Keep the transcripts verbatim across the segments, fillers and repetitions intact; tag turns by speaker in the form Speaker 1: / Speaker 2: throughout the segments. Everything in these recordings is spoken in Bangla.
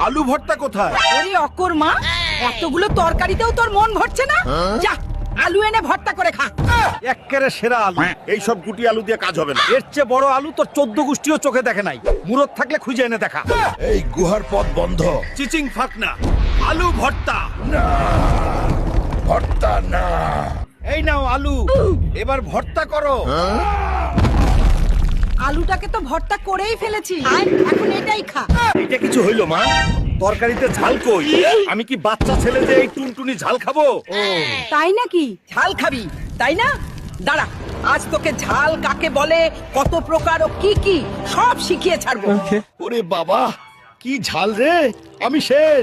Speaker 1: আলু ভর্তা কোথায়?
Speaker 2: ওরে অকর্মা, এতগুলো তরকারিতেও তোর মন ভরছে না? যা আলু এনে ভর্তা করে খা।
Speaker 1: এক্কেরে সেরা আলু। এই সব গুটি আলু দিয়ে কাজ হবে না। এর চেয়ে বড় আলু তোর চোদ্দ গোষ্ঠীও চোখে দেখে নাই। মুরত থাকলে খুঁজে এনে দেখা।
Speaker 3: এই গুহার পথ বন্ধ।
Speaker 1: চিচিং ফাকনা, আলু ভর্তা।
Speaker 3: ভর্তা না।
Speaker 1: এই নাও আলু, এবার ভর্তা করো।
Speaker 2: আলুটাকে তো ভর্তা করেই ফেলেছি, এখন এটাই খা।
Speaker 1: এটা কিছু হইলো মা? তরকারিতে ঝাল কই? আমি কি বাচ্চা ছেলে যে এই টুনটুনি ঝাল খাবো?
Speaker 2: তাই নাকি? ঝাল খাবি তাই না? দাঁড়া, আজ তোকে ঝাল কাকে বলে, কত প্রকার ও কি কি সব শিখিয়ে ছাড়বো।
Speaker 1: ওরে বাবা, কি ঝাল রে! আমি শেষ।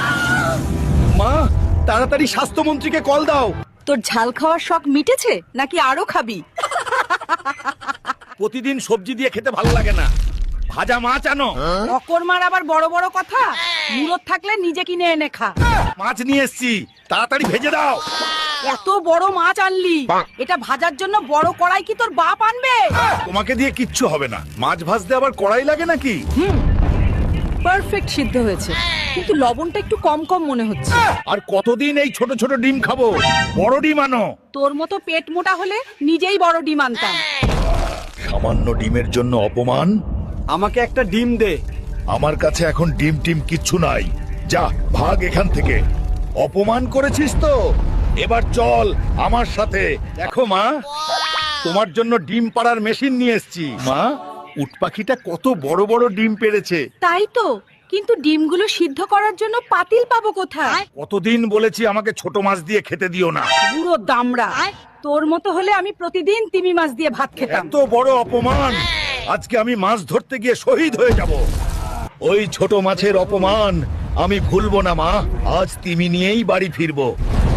Speaker 1: মা, তাড়াতাড়ি স্বাস্থ্যমন্ত্রীকে কল দাও।
Speaker 2: তোর ঝাল খাওয়ার শখ মিটেছে নাকি আরো খাবি?
Speaker 1: প্রতিদিন সবজি দিয়ে খেতে ভালো লাগে না, ভাজা মাছ আনো।
Speaker 2: অকর্মার আবার বড় বড় কথা। মুরত থাকলে নিজে কিনে এনে খা।
Speaker 1: মাছ নিয়ে এসছি, তাড়াতাড়ি ভেজে দাও।
Speaker 2: এত বড় মাছ আনলি, এটা ভাজার জন্য বড় কড়াই কি তোর বাপ আনবে?
Speaker 1: তোমাকে দিয়ে কিচ্ছু হবে না। মাছ ভাজতে আবার কড়াই লাগে নাকি?
Speaker 2: পারফেক্ট সিদ্ধ হয়েছে, কিন্তু লবণটা একটু কম কম মনে হচ্ছে।
Speaker 1: আর কতদিন এই ছোট ছোট ডিম খাবো? বড় ডিম আনো।
Speaker 2: তোর মতো পেট মোটা হলে নিজেই বড় ডিম আনতাম।
Speaker 3: সামান্য ডিমের জন্য অপমান।
Speaker 1: আমাকে একটা ডিম দে।
Speaker 3: আমার কাছে এখন ডিম টিম কিচ্ছু নাই। যা ভাগ এখান থেকে। অপমান করেছিস তো, এবার চল আমার সাথে।
Speaker 1: দেখো মা, তোমার জন্য ডিম পাড়ার মেশিন নিয়ে এসেছি। মা, উট পাখিটা কত বড় বড় ডিম পেড়েছে।
Speaker 2: তাই তো, কিন্তু ডিমগুলো সিদ্ধ করার জন্য পাতিল পাবো কোথায়?
Speaker 1: কতদিন বলেছি আমাকে ছোট মাছ দিয়ে খেতে দিও না।
Speaker 2: পুরো দামড়া। তোর মতো হলে আমি প্রতিদিন তিমি মাছ দিয়ে ভাত খেতাম।
Speaker 1: এত বড় অপমান! আজকে আমি মাছ ধরতে গিয়ে শহীদ হয়ে যাব। ওই ছোট মাছের অপমান আমি ভুলবো না মা। আজ তিমি নিয়েই বাড়ি ফিরবো।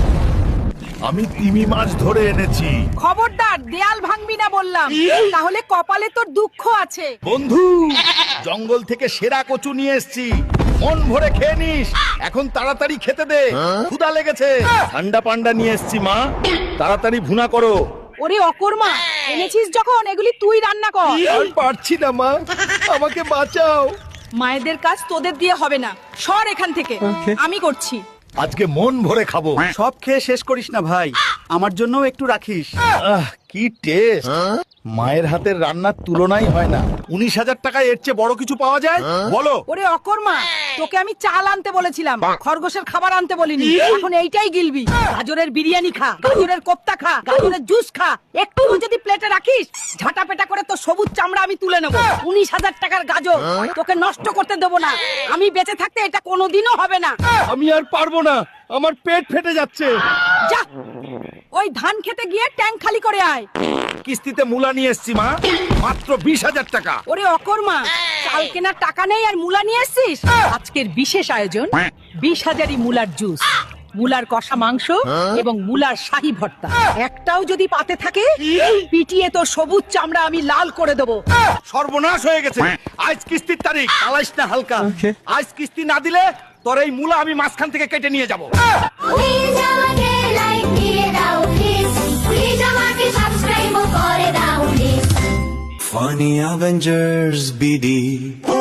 Speaker 1: আমি তিমি মাছ ধরে এনেছি।
Speaker 2: খবরদার, দেয়াল ভাঙবি না বললাম, তাহলে কপালে তোর দুঃখ আছে।
Speaker 1: বন্ধু, জঙ্গল থেকে সেরা কচু নিয়ে এসেছি, মন ভরে খেয়ে নিস। এখন তাড়াতাড়ি খেতে দে, ক্ষুধা লেগেছে। ঠান্ডা পান্ডা নিয়ে এসেছি মা, তাড়াতাড়ি ভুনা করো।
Speaker 2: ওরে অকর্মা, এনেছিস যখন এগুলি তুই রান্না কর।
Speaker 1: আর পারছি না মা, আমাকে বাঁচাও।
Speaker 2: মায়েদের কাজ তোদের দিয়ে হবে না, সর এখান থেকে, আমি করছি।
Speaker 1: আজকে মন ভরে খাবো।
Speaker 4: সব খেয়ে শেষ করিস না ভাই, আমার জন্যও একটু রাখিস।
Speaker 1: আহ, কি টেস্ট! মায়ের হাতের রান্নার তুলনাই হয় না। উনিশ হাজার টাকায় এর চেয়ে বড় কিছু পাওয়া যায়? বলো।
Speaker 2: ওরে অকর্মা, তোকে আমি চাল আনতে বলেছিলাম, খরগোশের খাবার আনতে বলিনি। এখন এইটাই গিলবি। গাজরের বিরিয়ানি খা, গাজরের কোপ্তা খা, গাজরের জুস খা। একটু যদি প্লেটে রাখিস, ঝাঁটা পেটা করে তো সবুজ চামড়া আমি তুলে নেবো। উনিশ হাজার টাকার গাজর তোকে নষ্ট করতে দেবো না। আমি বেঁচে থাকতে এটা কোনোদিনও হবে না।
Speaker 1: আমি আর পারবো না, আমার পেট ফেটে যাচ্ছে।
Speaker 2: যা, ওই ধান খেতে গিয়ে ট্যাঙ্ক খালি করে আয়।
Speaker 1: কিস্তিতে মূলা নিয়ে এসছি মা, মাত্র বিশ হাজার টাকা।
Speaker 2: ওরে অকর্মা, চাল কেনার টাকা নেই আর মূলা নিয়ে এসছিস? আজকের বিশেষ আয়োজন, বিশ হাজারি মূলার জুস, মূলার কষা মাংস এবং মূলার শাহী ভর্তা। একটাও যদি পাতে থাকে, পিটিয়ে তো সবুজ চামড়া আমি লাল করে দেবো।
Speaker 1: সর্বনাশ হয়ে গেছে। আজ কিস্তির তারিখ, চালাইস না হালকা। আজ কিস্তি না দিলে তোর এই মূলা আমি মাঝখান থেকে কেটে নিয়ে যাবো।
Speaker 5: Please আমাকে লাইক দিয়ে দাও প্লিজ, প্লিজ আমাকে সাবস্ক্রাইব করে দাও please.
Speaker 6: Funny Avengers B D